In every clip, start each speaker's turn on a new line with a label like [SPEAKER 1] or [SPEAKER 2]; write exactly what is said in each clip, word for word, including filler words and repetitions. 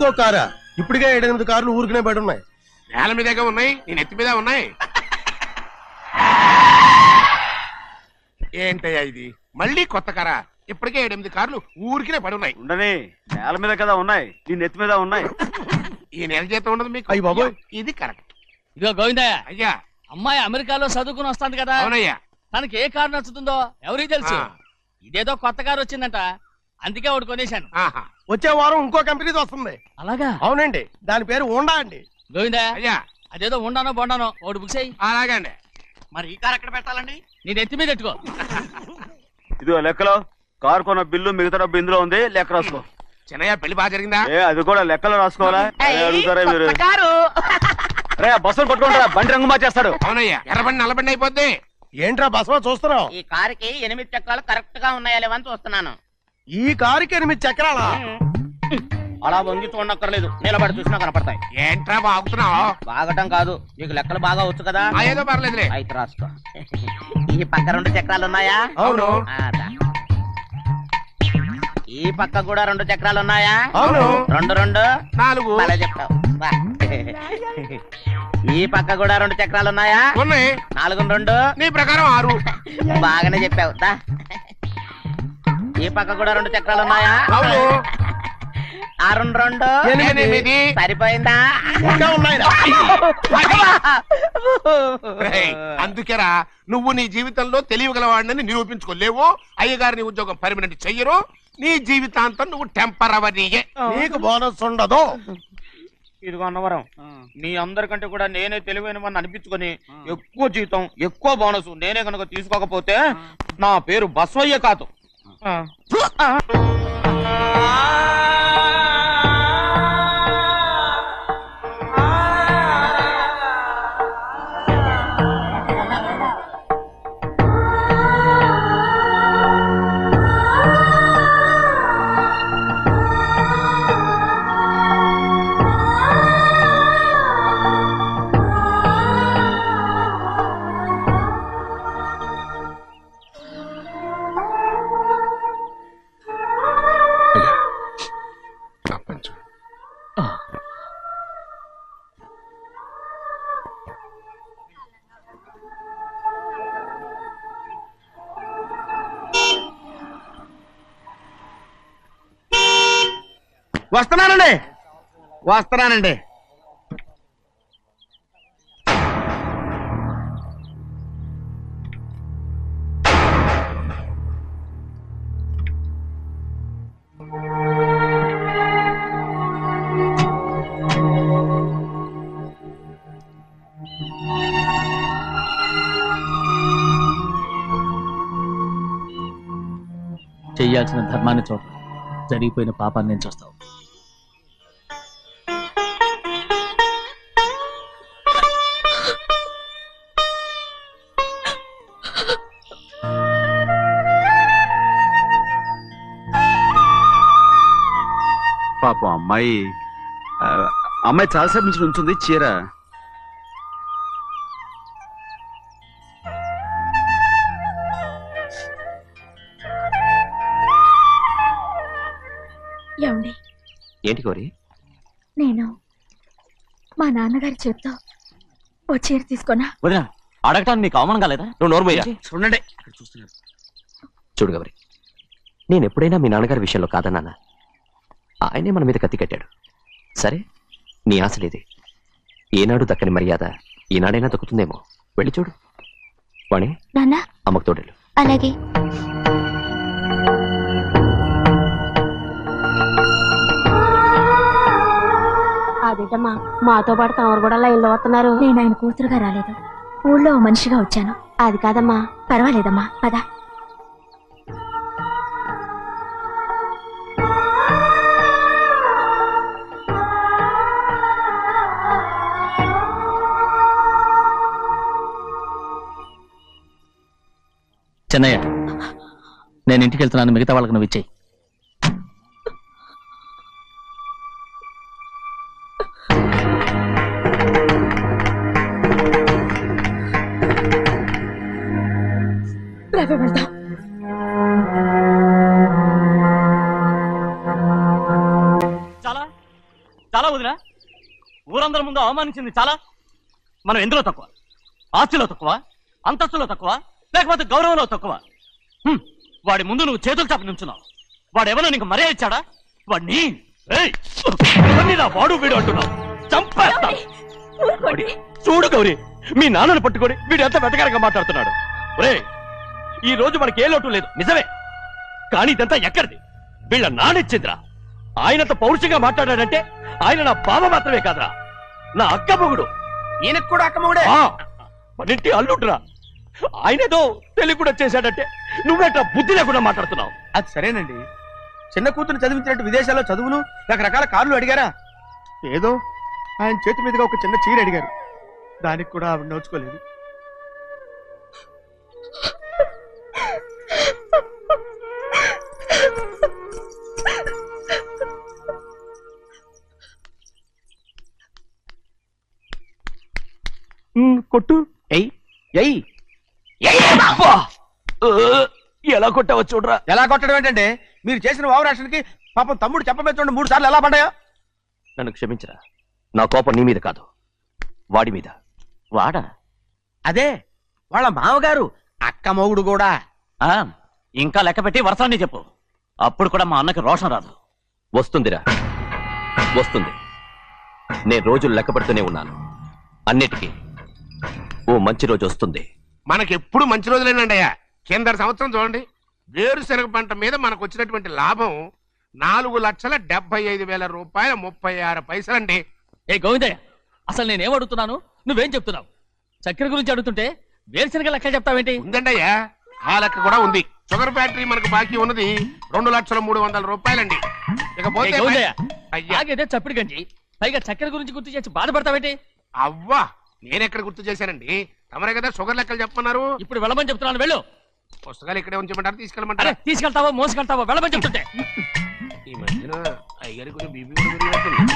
[SPEAKER 1] ఇంకో కారా? ఇప్పటికే ఏడెనిమిది కార్లు ఊరికనే బయట ఉన్నాయి.
[SPEAKER 2] నేల మీదగా ఉన్నాయి, నేను ఎత్తి మీద ఉన్నాయి. ఏంటయ్యా ఇది? మళ్ళీ కొత్త కారా? ఇప్పటికే ఏడెనిమిది కార్లు ఊరికినే పడి ఉన్నాయి.
[SPEAKER 3] ఉండని, నేల మీద కదా ఉన్నాయి, నీ నెత్తి మీద ఉన్నాయి.
[SPEAKER 2] ఈ నెల జీతం ఉండదు మీకు.
[SPEAKER 1] అయ్యి బాబోయ్,
[SPEAKER 2] ఇది కరెక్ట్.
[SPEAKER 4] ఇదిగో గోవిందయ్య,
[SPEAKER 2] అయ్యా
[SPEAKER 4] అమ్మాయి అమెరికాలో చదువుకుని వస్తాంది కదా.
[SPEAKER 2] అవునయ్యా.
[SPEAKER 4] తనకి ఏ కారు నచ్చుతుందో ఎవరికి తెలుసు. ఇదేదో కొత్త కారు వచ్చిందంట, అందుకే ఒకటి కొనేశాను.
[SPEAKER 1] వచ్చే వారం ఇంకో కంపెనీది వస్తుంది.
[SPEAKER 4] అలాగా?
[SPEAKER 1] అవునండి, దాని పేరు హోండా అండి.
[SPEAKER 4] గోవిందయ్య,
[SPEAKER 2] అయ్యా
[SPEAKER 4] అదేదో ఉండానో బొండానో ఒకటి బుక్ చేయి.
[SPEAKER 2] అలాగండి.
[SPEAKER 5] మరి ఈ కారు ఎక్కడ పెట్టాలండి?
[SPEAKER 4] నేను ఎత్తి మీద పెట్టుకో.
[SPEAKER 3] ఇదిగో లెక్కలో కారు కొన్న బిల్లు మిగతా డబ్బు ఇందులో ఉంది, లెక్క రాసుకో.
[SPEAKER 2] చిన్నయ్య పెళ్లి బాగా జరిగిందా?
[SPEAKER 3] ఏ అది కూడా లెక్కలో రాసుకోవాలా? అడుగుతారా మీరు? రే బస్సులు పట్టుకుంటారా, బండి రంగు మార్చేస్తాడు.
[SPEAKER 2] అవునయ్యా, ఎర్రబండి నల్లబండి అయిపోద్ది.
[SPEAKER 1] ఏంట్రా బసవా చూస్తున్నావు?
[SPEAKER 5] ఈ కారుకి ఎనిమిది చక్రాలు కరెక్ట్ గా ఉన్నాయా లేవని చూస్తున్నాను.
[SPEAKER 1] ఈ కారుకి ఎనిమిది చక్రాలా?
[SPEAKER 5] అలా వంగి చూడక్కర్లేదు, నిలబడి చూసినా కనపడతాయి.
[SPEAKER 2] ఏంట్రా బాగుతున్నావు?
[SPEAKER 5] బాగటం కాదు, నీకు లెక్కలు బాగా వచ్చు కదా.
[SPEAKER 2] ఏదో పర్లేదులే.
[SPEAKER 5] అయితే రాసుకో. ఈ పక్క రెండు చక్రాలు ఉన్నాయా?
[SPEAKER 1] అవును.
[SPEAKER 5] ఈ పక్క కూడా రెండు చక్రాలు ఉన్నాయా?
[SPEAKER 1] అవును.
[SPEAKER 5] రెండు రెండు
[SPEAKER 2] నాలుగు.
[SPEAKER 5] అలా చెప్తావు. ఈ పక్క కూడా రెండు చక్రాలు ఉన్నాయా?
[SPEAKER 2] ఉన్నాయి.
[SPEAKER 5] నాలుగు రెండు
[SPEAKER 2] నీ ప్రకారం ఆరు.
[SPEAKER 5] బాగానే చెప్పావు. ఈ పక్క కూడా రెండు చక్రాలు ఉన్నాయా?
[SPEAKER 2] అవును.
[SPEAKER 5] ఆరు రెండు
[SPEAKER 2] ఎనిమిది.
[SPEAKER 5] సరిపోయిందా?
[SPEAKER 1] ఇంకా ఉన్నాయిరా.
[SPEAKER 2] అందుకేరా నువ్వు నీ జీవితంలో తెలియగలవాడిని నిరూపించుకోలేవు. అయ్యగారి నీ ఉద్యోగం పర్మనెంట్ చెయ్యరు. నీ జీవితాంతం నువ్వు టెంపరవరీయే.
[SPEAKER 1] నీకు బోనస్ ఉండదు.
[SPEAKER 5] ఇదిగో అన్నవరం, మీ అందరికంటే కూడా నేనే తెలివైన వాడిని అనిపించుకొని ఎక్కువ జీతం ఎక్కువ బోనస్ నేనే కనుక తీసుకోకపోతే నా పేరు బస్వయ్య కాదు. వస్తున్నానండి వస్తున్నానండి
[SPEAKER 4] చెయ్యాల్సిన ధర్మాన్ని చూడ, జరిగిపోయిన పాపాన్ని నేను చూస్తావు.
[SPEAKER 3] పాపం అమ్మాయి అమ్మాయి చాలాసేపు నుంచి ఉంచుంది చీర.
[SPEAKER 6] ఏమండి?
[SPEAKER 7] ఏంటి కోరి?
[SPEAKER 6] నేను మా నాన్నగారి చేత్తో ఓ చీర తీసుకున్నా.
[SPEAKER 7] వదినా, అడగటానికి నీకు అవమానం కాలేదా? నువ్వు నోర్మయ్యా.
[SPEAKER 5] చూడండి
[SPEAKER 7] చూడు గౌరి, నేను ఎప్పుడైనా మీ నాన్నగారి విషయంలో కాదన్నానా? ఆయనే మన మీద కత్తి కట్టాడు. సరే, నీ ఆశలేదే. ఏనాడు దక్కని మర్యాద ఈనాడైనా దక్కుతుందేమో. వెళ్ళి చూడు. వాణి,
[SPEAKER 6] నాన్న
[SPEAKER 7] అమ్మకు తోడేలు.
[SPEAKER 6] అలాగే. అదేటమ్మా, మాతో పాటు తమరు కూడా లైన్లో వస్తున్నారు. నేను ఆయన కూతురుగా రాలేదు, ఊళ్ళో మనిషిగా వచ్చాను. అది కాదమ్మా. పర్వాలేదమ్మా, పద.
[SPEAKER 4] చెన్నయ్య, నేను ఇంటికి వెళ్తున్నాను, మిగతా వాళ్ళకి నువ్వు ఇచ్చేయి.
[SPEAKER 6] వెళ్దాం.
[SPEAKER 4] చాలా
[SPEAKER 3] ఊరందరి ముందు అవమానించింది చాలా. మనం ఎందులో తక్కువ? ఆస్తిలో తక్కువ, అంతస్తులో తక్కువ, లేకపోతే గౌరవంలో తక్కువ? హ్మ్. వాడి ముందు నువ్వు చేతులు చాపి నుంచున్నావు. వాడెవరో నీకు మర్యాద ఇచ్చాడా? వాడిని ఏయ్! ఎవరిని నా వాడు వీడు అంటున్నావు? చంపేస్తా. వాడి- చూడు గౌరీ, మీ నాన్నను పట్టుకొని వీడు ఎంత వెతకారంగా మాట్లాడుతున్నాడు. ఒరే, ఈ రోజు మనకి ఏ లోటు లేదు నిజమే, కానీ ఇదంతా ఎక్కడిది? వీళ్ళ నానిచ్చిందిరా. ఆయనంత పౌరుషంగా మాట్లాడాడంటే ఆయన నా బావ మాత్రమే కాదురా, నా అక్క మొగుడు.
[SPEAKER 1] ఈయనకు కూడా అక్కమ్మగుడే.
[SPEAKER 3] ఆ, మనింటి అల్లుడురా. ఆయనేదో తెలివి కూడా చేశాడంటే నువ్వేట్లా బుద్ధి లేకుండా మాట్లాడుతున్నావు?
[SPEAKER 1] అది సరేనండి, చిన్న కూతురు చదివించినట్టు విదేశాల్లో చదువులు రకరకాల కార్లు అడిగారా? ఏదో ఆయన చేతి మీదుగా ఒక చిన్న చీర అడిగారు, దానికి కూడా ఆవిడ నోచుకోలేదు.
[SPEAKER 3] కొట్టు. ఎయ్ ఎయ్ ఎలా కొట్టావో చూడరా.
[SPEAKER 1] ఎలా కొట్టడం ఏంటంటే, మీరు చేసిన వావరాక్షణకి పాపం తమ్ముడు చెప్పబెట్టండి మూడు సార్లు ఎలా పడ్డాయో.
[SPEAKER 7] నన్ను క్షమించరా, నా కోపం నీ మీద కాదు, వాడి మీద.
[SPEAKER 3] వాడా?
[SPEAKER 1] అదే వాళ్ళ మామగారు అక్క మొగుడు కూడా.
[SPEAKER 3] ఆ, ఇంకా లెక్క పెట్టి వరసాన్ని చెప్పు, అప్పుడు కూడా మా అన్నకి రోషం రాదు.
[SPEAKER 7] వస్తుందిరా, వస్తుంది. నేను రోజులు లెక్క పెడుతూనే ఉన్నాను. అన్నిటికీ ఓ మంచి రోజు వస్తుంది.
[SPEAKER 2] మనకెప్పుడు మంచి రోజులేనండి అయ్యా. కింద సంవత్సరం చూడండి, వేరుశనగ పంట మీద మనకు వచ్చినటువంటి లాభం నాలుగు లక్షల డెబ్బై ఐదు వేల రూపాయల ముప్పై ఆరు పైసలండి.
[SPEAKER 4] ఏ గోవిందయ్య, అసలు నేనేం అడుగుతున్నాను, నువ్వేం చెప్తున్నావు? చక్కెర గురించి అడుగుతుంటే వేరుశనగ లెక్క చెప్తావేంటి?
[SPEAKER 2] ఉందండి అయ్యా, ఆ లెక్క కూడా ఉంది. షుగర్ ఫ్యాక్టరీ మనకు బాకీ ఉన్నది రెండు లక్షల మూడు వందల రూపాయలండి.
[SPEAKER 4] ఏ
[SPEAKER 2] ఇకపోతే
[SPEAKER 4] గోవిందయ్య,
[SPEAKER 2] అయ్యా
[SPEAKER 4] ఆగేదే చప్పిడి గంజి, పైగా చక్కెర గురించి గుర్తు చేసి బాధపడతావేంటి?
[SPEAKER 2] అవ్వా, నేనెక్కడ గుర్తు చేశానండి, తమరే కదా షుగర్ లెక్కలు చెప్పమన్నారు.
[SPEAKER 4] ఇప్పుడు వెళ్ళమని చెప్తున్నాను, వెళ్ళు.
[SPEAKER 2] పుస్తకాలు ఇక్కడే ఉంచమంటారు,
[SPEAKER 4] అరే,
[SPEAKER 2] తీసుకెళ్ళమంటారా?
[SPEAKER 4] తీసుకెళ్తావో మోసుకెళ్తావో వెళ్ళమని చెప్తుంటే.
[SPEAKER 2] ఈ మధ్యన అయ్యారి కొంచెం బీపీ కూడా పెరిగినట్టుంది.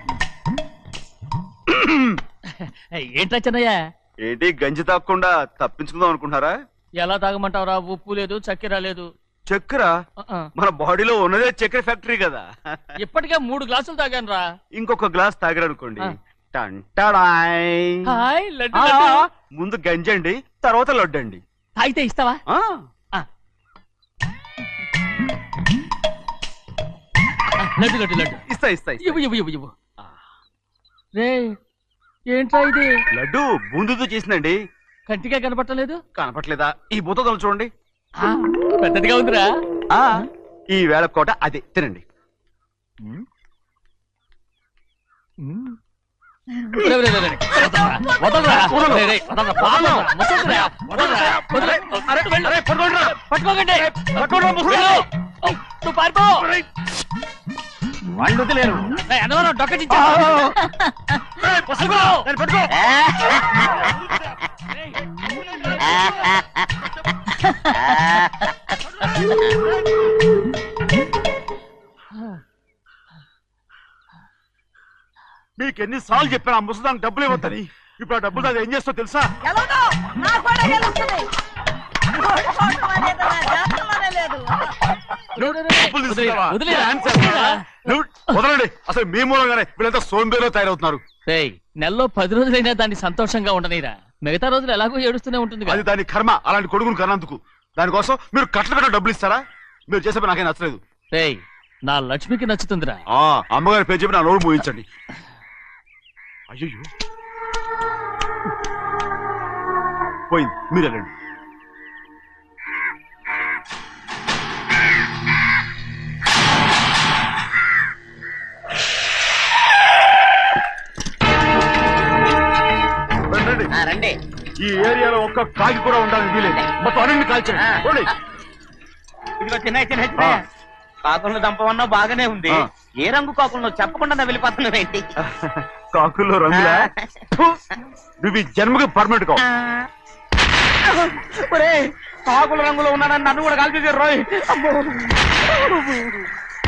[SPEAKER 4] ఏంట్రా చిన్నయ్య,
[SPEAKER 3] ఏంటి గంజి తాగకుండా తప్పించుకుందాం అనుకుంటున్నారా?
[SPEAKER 4] ఎలా తాగమంటావురా? ఉప్పు లేదు, చక్కెర లేదు.
[SPEAKER 3] చక్కెర
[SPEAKER 4] ఆ, ఆ.
[SPEAKER 3] మన బాడీలో ఉన్నదే చక్కెర ఫ్యాక్టరీ కదా.
[SPEAKER 4] ఇప్పటికే మూడు గ్లాసులు తాగాను రా.
[SPEAKER 3] ఇంకొక గ్లాస్ తాగారనుకోండి,
[SPEAKER 4] ఆ.
[SPEAKER 3] టంటాడాయ్.
[SPEAKER 4] హాయ్ లడ్డు,
[SPEAKER 3] ఆ,
[SPEAKER 4] లడ్డు.
[SPEAKER 3] ముందు గంజండి, తర్వాత లడ్డండి.
[SPEAKER 4] తాగితే ఇస్తావా?
[SPEAKER 3] ఆ,
[SPEAKER 4] ఆ. ఆ, లడ్డు లడ్డు లడ్డు
[SPEAKER 3] ఇస్తా ఇస్తా ఇస్తా.
[SPEAKER 4] ఇవ్వు ఇవ్వు ఇవ్వు ఇవ్వు. రే, ఏంట్రా ఇది?
[SPEAKER 3] లడ్డు బూందుతో చేసిందండి.
[SPEAKER 4] కంటిగా కనపట్టలేదు.
[SPEAKER 3] కనపట్లేదా? ఈ బూతలు చూడండి.
[SPEAKER 4] ఆ, పెద్దదిగా ఉందిరా.
[SPEAKER 3] ఆ, ఈ వేళ కోట అదే తినండి.
[SPEAKER 4] రే, రే, రే, రే. వదలరా, వదలరా. రే, రే, వదలరా, పాపం. ముసలిరా, వదలరా, వదలరా. వెళ్ళు. పట్టుకోకండి. వెళ్ళు. నువ్వు పారిపో.
[SPEAKER 3] వాళ్ళు వదిలేరు.
[SPEAKER 4] రే, అన్నవరం డొక్కచించా. పట్టుకో. పట్టుకో.
[SPEAKER 3] మీకు ఎన్నిసార్లు చెప్పాను ఆ ముసదానికి డబ్బులు ఇవ్వద్దని. ఇప్పుడు ఆ డబ్బులు అది ఏం చేస్తో తెలుసా? డబ్బులు తీసుకున్నావా?
[SPEAKER 4] వదిలేరా.
[SPEAKER 3] డాన్స్ చేస్తున్నావా? నువ్వు వదలండి. అసలు మీ మూలంగానే వీళ్ళంతా సోంబేలో తయారవుతున్నారు.
[SPEAKER 4] రేయ్, నెలలో పది రోజులైనా దాన్ని సంతోషంగా ఉండనీరా. మిగతా రోజులు ఎలాగో ఏడుస్తూనే ఉంటుంది
[SPEAKER 3] అది దాని కర్మ, అలాంటి కొడుకును కన్నందుకు. దానికోసం మీరు కట్టలు కట్ట డబ్బులు ఇస్తారా? మీరు చేసే పని నాకేం నచ్చలేదు.
[SPEAKER 4] రేయ్, నా లక్ష్మికి నచ్చుతుందిరా.
[SPEAKER 3] ఆ అమ్మగారి పేరు చెప్పి నా నోరు మోయించండి. అయ్యో పోయింది, మీరు వెళ్ళండి. రండి. ఈ ఏరియాలో ఒక్క కాకి కూడా ఉండాలని వీలేదు. మొత్తం అన్ని కాల్చండి. పోండి.
[SPEAKER 5] ఇదిగో చిన్న చిన్న చిన్న కాకులను దంపమన్నా బాగానే ఉంది.
[SPEAKER 3] ఆ.
[SPEAKER 5] ఏ రంగు కాకులను చెప్పకుండా వెళ్ళిపోతున్నావు ఏంటి?
[SPEAKER 3] కాకుల్లో రంగులా? ఫు! నువ్వు ఈ జన్మకి పర్మనెంట్ కావు.
[SPEAKER 5] ఒరేయ్, కాకుల రంగులో ఉన్నానని నన్ను కూడా కాల్చేసారు రోయ్. అమ్మో.